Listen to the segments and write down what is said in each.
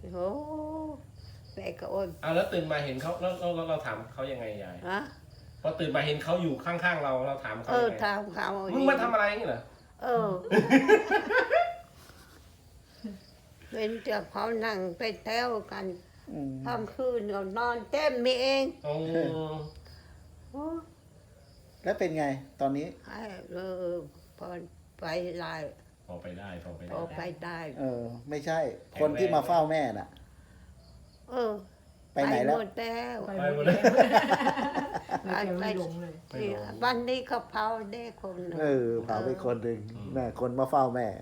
โอ้แม่ก็อดแล้วตื่นมาเห็นเขาแล้วเราถามเขายังไงยายฮะพอตื่นมาเห็นเขาอยู่ข้างๆเราถามเขายังไงถามเขามึงมาทำอะไรนี่เหรอเป็นเจ้าเขานั่งไปแถวกันทำคืนก็นอนเต็มมีเองโอ้แล้วเป็นไงตอนนี้พอไปได้พอไปได้พอไปได้ไม่ใช่ คนที่มาเฝ้าแม่น่ะ ไปไหนแล้วหมดแล้วไปหมดเลยไม่หลงเลยวันนี้ก็เผาได้คนหนึ่งเผาไปคนหนึ่งแม่คนมาเฝ้าแม่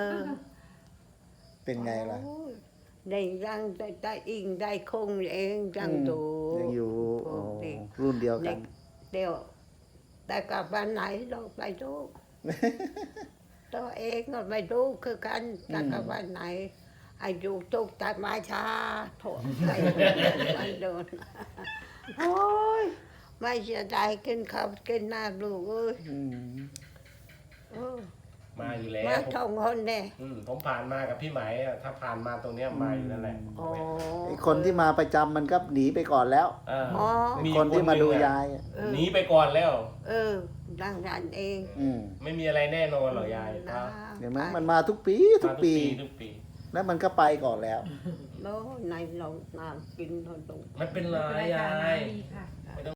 เป็นไงล่ะได้ยังได้อิงได้คงเองยังดูยังอยู่รุ่นเดียวกันเดี๋ยวแต่กลับวันไหนเราไปดูตัวเองก็ไปดูคือกันแต่กลับวันไหนอายุตุกแต่มาช้าโถไปมันโดนโอ้ยไม่เสียดายกินข้าวกินน้ำลูกเอ้ยมาอยู่แล้วมาท่องคนเนี่ยผมผ่านมากับพี่ไหมถ้าผ่านมาตรงเนี้ยมาอยู่นั่นแหละไอ้คนที่มาประจำมันก็หนีไปก่อนแล้ว คนที่มาดูยายหนีไปก่อนแล้วดังนั้นเองไม่มีอะไรแน่นอนหรอกยายเห็นไหมมันมาทุกปีทุกปี แล้วมันก็ไปก่อนแล้วแล้วในเราน้ำกินเราตรงไม่เป็นไรยายดีค่ะ